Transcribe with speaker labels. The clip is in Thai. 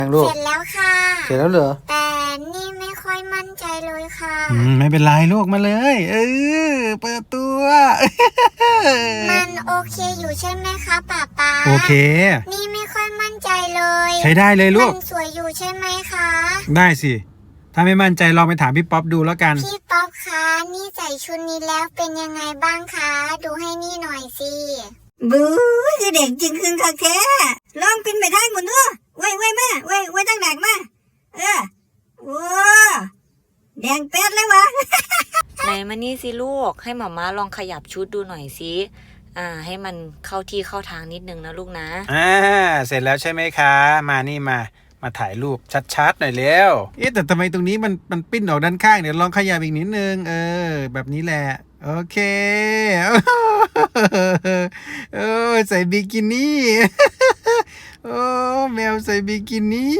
Speaker 1: ยังลูก
Speaker 2: เสร็จแล้วค่ะ
Speaker 1: เสร็จแล้วเหรอ
Speaker 2: แต่นี่ไม่ค่อยมั่นใจเลยค่ะ
Speaker 1: ไม่เป็นไรลูกมาเลยเปิดตัว
Speaker 2: มันโอเคอยู่ใช่ไหมคะป๊า
Speaker 1: โอเค
Speaker 2: นี่ไม่ค่อยมั่นใจเลย
Speaker 1: ใช้ได้เลยลูก
Speaker 2: มันสวยอยู่ใช่ไหมคะ
Speaker 1: ได้สิถ้าไม่มั่นใจลองไปถามพี่ป๊อปดูแล้วกัน
Speaker 2: พี่ป๊อปคะนี่ใส่ชุดนี้แล้วเป็นยังไงบ้างคะดูให้นี่หน่อยสิ
Speaker 3: บู๊คือเด็กจริงคืนคักแท้ลองปินไปทางหมดเนอะไว้มาไว้ตั้งหนักมาโอ้แดงแป๊ดเลยวะ
Speaker 4: ไหนมานี่สิลูกให้หม่าม้าลองขยับชุดดูหน่อยสิให้มันเข้าที่เข้าทางนิดนึงนะลูกนะ
Speaker 1: เสร็จแล้วใช่ไหมคะมานี่มาถ่ายรูปชัดๆหน่อยเร็วแต่ทำไมตรงนี้มันปิ้นออกด้านข้างเดี๋ยวลองขยับอีกนิดนึงแบบนี้แหละโอเคใส่บิกินี่โอ้แมวใส่บิกินี่